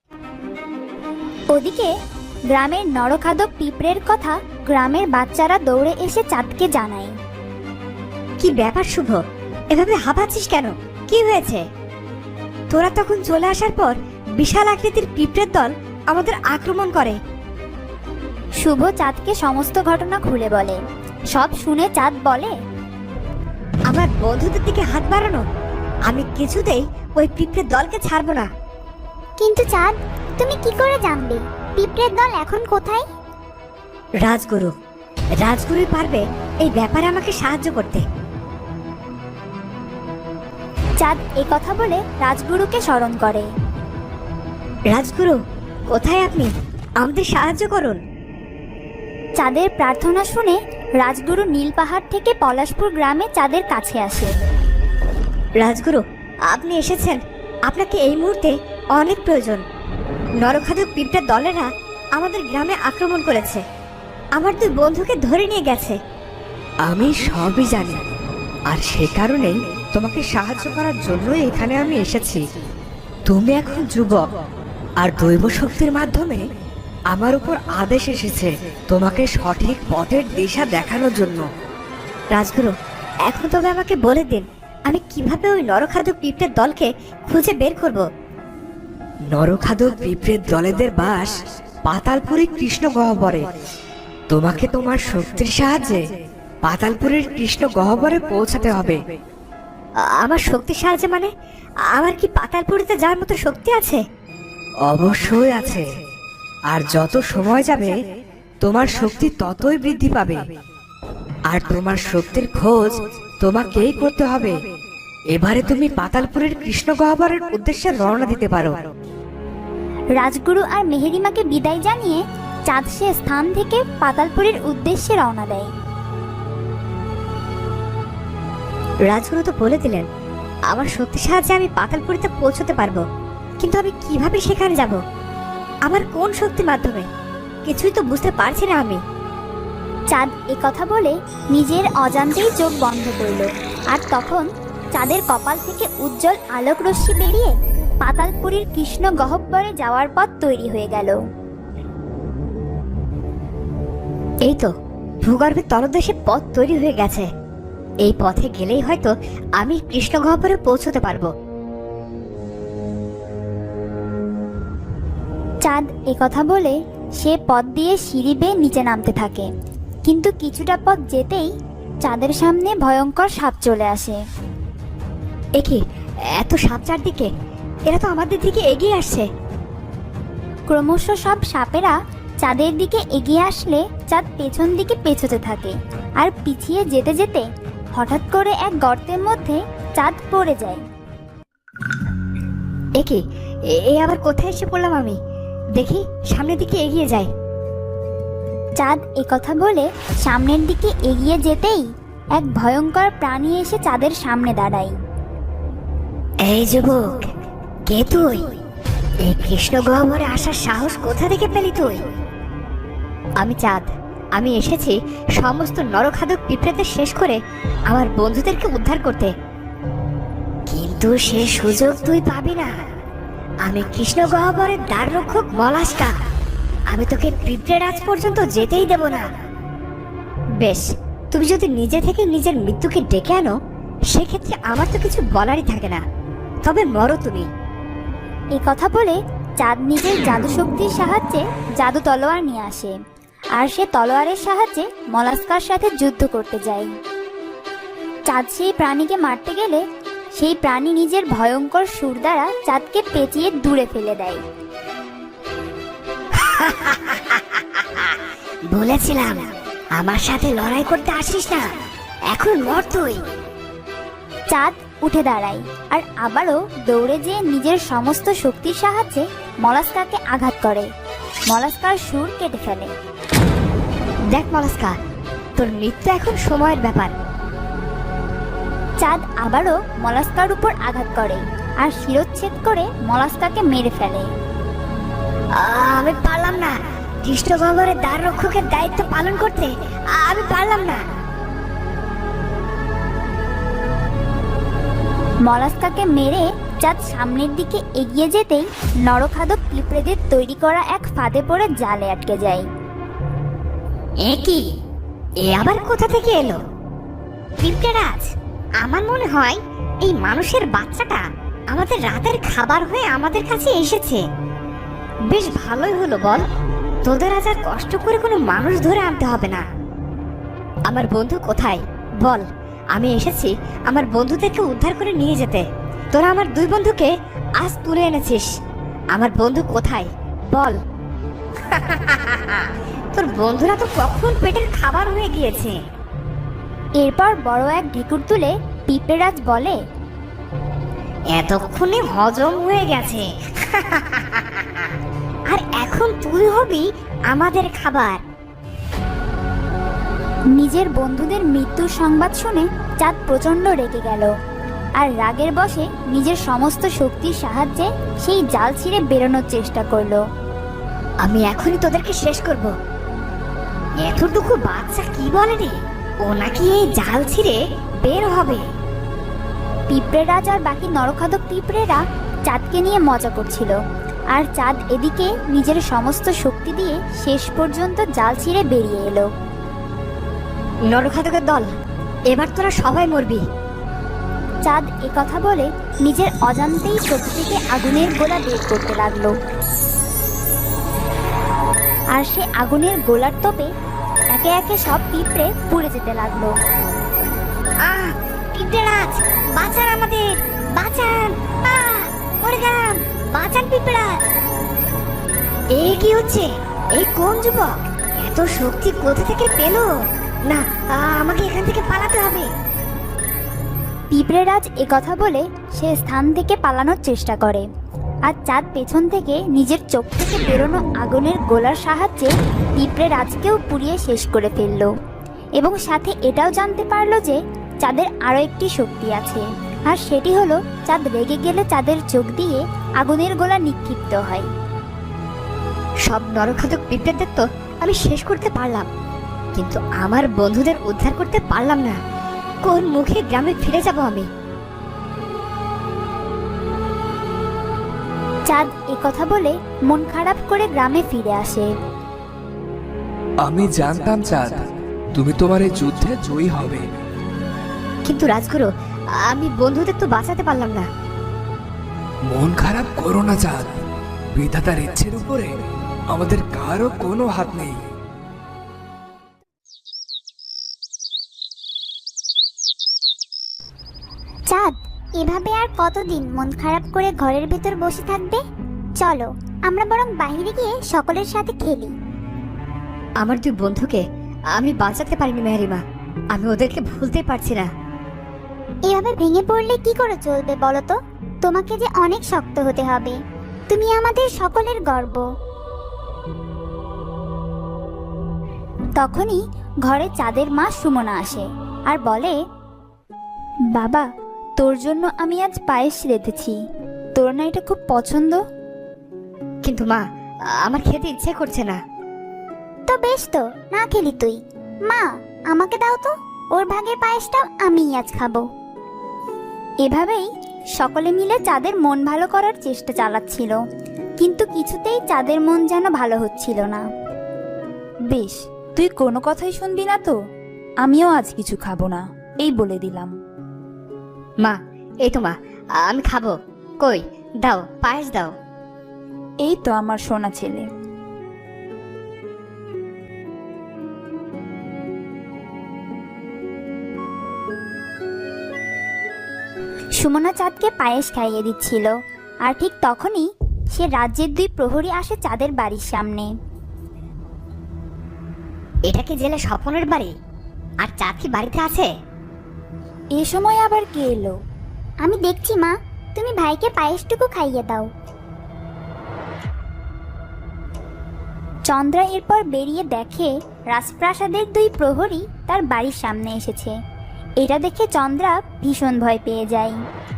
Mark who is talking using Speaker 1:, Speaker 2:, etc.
Speaker 1: ওদিকে গ্রামের নরখাদক পিঁপড়ের কথা গ্রামের বাচ্চারা দৌড়ে এসে চাঁদকে জানায়।
Speaker 2: কি ব্যাপার শুভ, এভাবে হাঁপাচ্ছিস কেন? কি হয়েছে? তোরা তখন চলে আসার পর বিশাল আকৃতির পিঁপড়ের দল আমাদের আক্রমণ করে।
Speaker 1: শুভ চাঁদকে সমস্ত ঘটনা খুলে বলে। সব শুনে চাঁদ বলে,
Speaker 2: আমার বন্ধুদের দিকে হাত বাড়ানো, আমি কিছুতেই ওই পিঁপড়ের দলকে ছাড়বো না।
Speaker 1: কিন্তু চাঁদ, তুমি কি করে জানবে পিঁপড়ের দল এখন কোথায়?
Speaker 2: রাজগুরুই পারবে এই ব্যাপারে আমাকে সাহায্য করতে।
Speaker 1: চাঁদ কথা বলে রাজগুরুকে স্মরণ করে।
Speaker 2: রাজগুরু, কোথায় আপনি? আমাদের সাহায্য করুন।
Speaker 1: চাঁদের প্রার্থনা শুনে রাজগুরু নীল পাহাড় থেকে পলাশপুর গ্রামে চাঁদের কাছে আসে।
Speaker 2: রাজগুরু, আপনি এসেছেন, আপনাকে এই মুহূর্তে অনেক প্রয়োজন। নরখাদক পিঁপড়ের দলেরা আমাদের গ্রামে আক্রমণ করেছে, আমার 2 বন্ধুকে ধরে নিয়ে গেছে।
Speaker 3: আমি সবই জানি, আর সে কারণেই তোমাকে সাহায্য করার জন্য এখানে আমি এসেছি। তুমি এখন যুবক, আর দৈব শক্তির মাধ্যমে আমার উপর আদেশ এসেছে তোমাকে সঠিক পথের দিশা দেখানোর জন্য।
Speaker 2: রাজগুরু, এখন তবে আমাকে বলে দিন, আমি কিভাবে ওই নরখাদক পিঁপড়ের দলকে খুঁজে বের করব?
Speaker 3: নরখাদক পিঁপড়ের দলেদের বাস পাতালপুরী কৃষ্ণ গহ্বরে। তোমাকে তোমার শক্তির সাহায্যে পাতালপুরের কৃষ্ণ গহ্বরে পৌঁছাতে হবে।
Speaker 2: আমার শক্তির সাহায্যে মানে? আমার কি পাতালপুরিতে যাওয়ার মতো শক্তি আছে?
Speaker 3: অবশ্যই আছে, আর যত সময় যাবে তোমার শক্তি ততই বৃদ্ধি পাবে। আর তোমার শক্তির খোঁজ তোমাকেই করতে হবে। এবারে তুমি পাতালপুরের কৃষ্ণ গহ্বরের উদ্দেশ্যে রওনা দিতে পারো।
Speaker 1: রাজগুরু আর মেহেরিমাকে বিদায় জানিয়ে চাঁদ সে স্থান থেকে পাতালপুরের উদ্দেশ্যে রওনা দেয়।
Speaker 2: রাজগুরু তো বলে দিলেন আমার শক্তির সাহায্যে আমি পাতালপুরিতে পৌঁছতে পারবো, কিন্তু আমি কিভাবে সেখানে যাব? আমার কোন শক্তির মাধ্যমে? কিছুই তো বুঝতে পারছি না আমি।
Speaker 1: চাঁদ কথা বলে নিজের অজান্তেই চোখ বন্ধ করল, আর তখন চাঁদের কপাল থেকে উজ্জ্বল আলোক রশ্মি বেরিয়ে পাতালপুরীর কৃষ্ণ গহ্বরে যাওয়ার পথ তৈরি হয়ে গেল।
Speaker 2: এই তো ভূগর্ভের তলদেশে পথ তৈরি হয়ে গেছে। এই পথে গেলেই হয়তো আমি কৃষ্ণ গহ্বরে পৌঁছতে পারবো।
Speaker 1: চাঁদ কথা বলে সে পথ দিয়ে সিঁড়ি বেয়ে নিচে নামতে থাকে, কিন্তু কিছুটা পথ যেতেই চাঁদের সামনে ভয়ঙ্কর সাপ চলে আসে।
Speaker 2: একি, এত সাপ চারদিকে, এরা তো আমাদের দিকে এগিয়ে আসছে।
Speaker 1: ক্রমশ সব সাপেরা চাঁদের দিকে এগিয়ে আসলে চাঁদ পেছন দিকে পেছোতে থাকে, আর পিছিয়ে যেতে যেতে হঠাৎ করে এক গর্তের মধ্যে চাঁদ পড়ে যায়।
Speaker 2: একি, আবার কোথায় এসে পড়লাম আমি? দেখি সামনের দিকে এগিয়ে যাই।
Speaker 1: চাঁদ কথা বলে সামনের দিকে এগিয়ে যেতেই এক ভয়ঙ্কর প্রাণী এসে চাঁদের সামনে দাঁড়ায়।
Speaker 2: এই যুবক, কে তুই? এই কৃষ্ণ গহ্বরে আসার সাহস কোথা থেকে পেলি তুই? আমি চাঁদ, আমি এসেছি সমস্ত নরখাদক পিঁপড়েদের শেষ করে আমার বন্ধুদেরকে উদ্ধার করতে। কিন্তু সে সুযোগ তুই পাবি না। আমি কৃষ্ণ গহ্বরের দ্বার রক্ষক মলাস্কা। আমি তোকে পিঁপড়ে রাজ পর্যন্ত যেতেই দেব না। বেশ, তুমি যদি নিজে থেকে নিজের মৃত্যুকে ডেকে আনো, সেক্ষেত্রে আমার তো কিছু বলারই থাকে না। তবে মরো তুমি।
Speaker 1: কথা বলে চাঁদ নিজের জাদু শক্তির সাহায্যে জাদু তলোয়ার নিয়ে আসে, আর সে তলোয়ারের সাহায্যে মলাস্কার সাথে যুদ্ধ করতে যায়। চাঁদ সেই প্রাণীকে মারতে গেলে সেই প্রাণী নিজের ভয়ঙ্কর সুর দ্বারা চাঁদকে পেঁচিয়ে দূরে ফেলে দেয়।
Speaker 2: বলেছিলাম আমার সাথে লড়াই করতে আসিস না, এখন মর তুই।
Speaker 1: চাঁদ উঠে দাঁড়ায় আর আবারও দৌড়ে যেয়ে নিজের সমস্ত শক্তির সাহায্যে মলাস্কাকে আঘাত করে। মলাস্কার সুর কেটে ফেলে।
Speaker 2: দেখ মলাস্কা, তোর মৃত্যু এখন সময়ের ব্যাপার।
Speaker 1: চাঁদ আবারও মলাস্কার উপর আঘাত করে আর শিরচ্ছেদ করে মলাস্কাকে মেরে ফেলে।
Speaker 2: আমি পারলাম না কৃষ্ণ গহ্বরের দ্বার রক্ষকের দায়িত্ব পালন করতে, আমি পারলাম না।
Speaker 1: মলাস্কাকে মেরে চাঁদ সামনের দিকে এগিয়ে যেতেই নরখাদক পিঁপড়েদের তৈরি করা এক ফাঁদে পড়ে জালে আটকে যায়।
Speaker 2: এ কি? এ আবার কোথা থেকে এলো? পিঁপড়েরাজ, আমার মনে হয় এই মানুষের বাচ্চাটা আমাদের রাতের খাবার হয়ে আমাদের কাছে এসেছে। বেশ ভালোই হলো বল, তোদের আজ আর কষ্ট করে কোনো মানুষ ধরে আনতে হবে না। আমার বন্ধু কোথায় বল? আমি এসেছি আমার বন্ধুদেরকে উদ্ধার করে নিয়ে যেতে। তোরা আমার দুই বন্ধুকে আজ তুলে এনেছিস। আমার বন্ধু কোথায় বল? তোর বন্ধুরা তো কখন পেটের খাবার হয়ে গিয়েছে।
Speaker 1: এরপর বড় এক ঢেকুর তুলে পিঁপড়েরাজ বলে,
Speaker 2: এতক্ষণে হজম হয়ে গেছে। আর এখন তুই হবি আমাদের খাবার।
Speaker 1: নিজের বন্ধুদের মৃত্যুর সংবাদ শুনে চাঁদ প্রচণ্ড রেগে গেল আর রাগের বশে নিজের সমস্ত শক্তির সাহায্যে সেই জাল ছিঁড়ে বেরোনোর চেষ্টা করলো।
Speaker 2: আমি এখনই তোদেরকে শেষ করব। এতটুকু বাচ্চা কি বলে রে, ও নাকি এই জাল ছিঁড়ে বের হবে।
Speaker 1: পিঁপড়েরাজ আর বাকি নরখাদক পিঁপড়েরা চাঁদকে নিয়ে মজা করছিল, আর চাঁদ এদিকে নিজের সমস্ত শক্তি দিয়ে শেষ পর্যন্ত জাল ছিঁড়ে বেরিয়ে এলো।
Speaker 2: নরখাদকের দল, এবার তোরা সবাই মরবি।
Speaker 1: চাঁদ একথা বলে নিজের অজান্তেই চোখ থেকে আগুনের গোলা বের করতে লাগলো, আর সে আগুনের গোলার তোপে একে একে সব পিঁপড়ে পুড়ে যেতে লাগলো।
Speaker 2: পিঁপড়েরাজ, বাঁচান আমাদের, বাঁচান। মরে গেলাম, বাঁচান পিঁপড়েরাজ। এ কি হচ্ছে? এই কোন যুবক এত শক্তি কোথা থেকে পেল? না, আমাকে এখান থেকে পালাতে হবে।
Speaker 1: পিঁপড়েরাজ একথা বলে সে স্থান থেকে পালানোর চেষ্টা করে, আর চাঁদ পেছন থেকে নিজের চোখ থেকে বেরোনো আগুনের গোলার সাহায্যে পিঁপড়েরাজকেও পুড়িয়ে শেষ করে ফেলল, এবং সাথে এটাও জানতে পারলো যে চাঁদের আরও একটি শক্তি আছে, আর সেটি হলো চাঁদ রেগে গেলে চাঁদের চোখ দিয়ে আগুনের গোলা নিক্ষিপ্ত হয়।
Speaker 2: সব নরখাদক পিঁপড়েদের তো আমি শেষ করতে পারলাম, কিন্তু আমার বন্ধুদের উদ্ধার করতে পারলাম না। কোন মুখে গ্রামে ফিরে যাব আমি?
Speaker 1: চাঁদ একথা বলে মন খারাপ করে গ্রামে ফিরে আসে।
Speaker 4: আমি জানতাম চাঁদ, তুমি তোমার এই যুদ্ধে জয়ী হবে।
Speaker 2: কিন্তু রাজগুরু, আমি বন্ধুদের তো বাঁচাতে পারলাম না।
Speaker 4: মন খারাপ করো না চাঁদ, বিধাতার ইচ্ছের উপরে আমাদের কারো কোনো হাত নেই।
Speaker 1: চাঁদ, এভাবে আর কতদিন মন খারাপ করে ঘরের ভেতর বসে থাকবে? চলো আমরা বরং বাইরে গিয়ে সকলের সাথে খেলি।
Speaker 2: আমার দুই বন্ধুকে আমি বাঁচাতে পারিনি মেহরিমা, আমি ওদেরকে ভুলতে পারছি না।
Speaker 1: এভাবে ভেঙে পড়লে কি করে চলবে বলো তো? তোমাকে যে অনেক শক্ত হতে হবে, তুমি আমাদের সকলের গর্ব। তখনই ঘরে চাঁদের মা সুমনা আসে আর বলে, বাবা, তোর জন্য আমি আজ পায়েস রেঁধেছি, তোর না এটা খুব পছন্দ?
Speaker 2: কিন্তু মা, আমার খেতে ইচ্ছে করছে না।
Speaker 1: তো বেশ, তো না খেলি তুই। মা, আমাকে দাও তো, ওর ভাগের পায়েসটাও আমিই আজ খাবো। এভাবেই সকলে মিলে চাঁদের মন ভালো করার চেষ্টা চালাচ্ছিল, কিন্তু কিছুতেই চাঁদের মন যেন ভালো হচ্ছিল না।
Speaker 5: বেশ, তুই কোনো কথাই শুনবি না তো? আমিও আজ কিছু খাবো না, এই বলে দিলাম।
Speaker 2: মা, এই তো মা, আমি খাবো। কই, দাও, পায়েস দাও।
Speaker 5: এই তো আমার সোনা ছেলে।
Speaker 1: সুমনা চাঁদকে পায়েস খাইয়ে দিচ্ছিল, আর ঠিক তখনই সে রাজ্যের দুই প্রহরী আসে চাঁদের বাড়ির সামনে।
Speaker 2: এটা কি জেলে স্বপনের বাড়ি? আর চাঁদ কি বাড়িতে আছে?
Speaker 1: এ সময় আবার কে এলো? আমি দেখছি মা, তুমি ভাইকে পায়েসটুকু খাইয়ে দাও। চন্দ্রা এরপর বেরিয়ে দেখে রাজপ্রাসাদের দুই প্রহরী তার বাড়ির সামনে এসেছে। এটা দেখে চন্দ্রা ভীষণ ভয় পেয়ে যায়।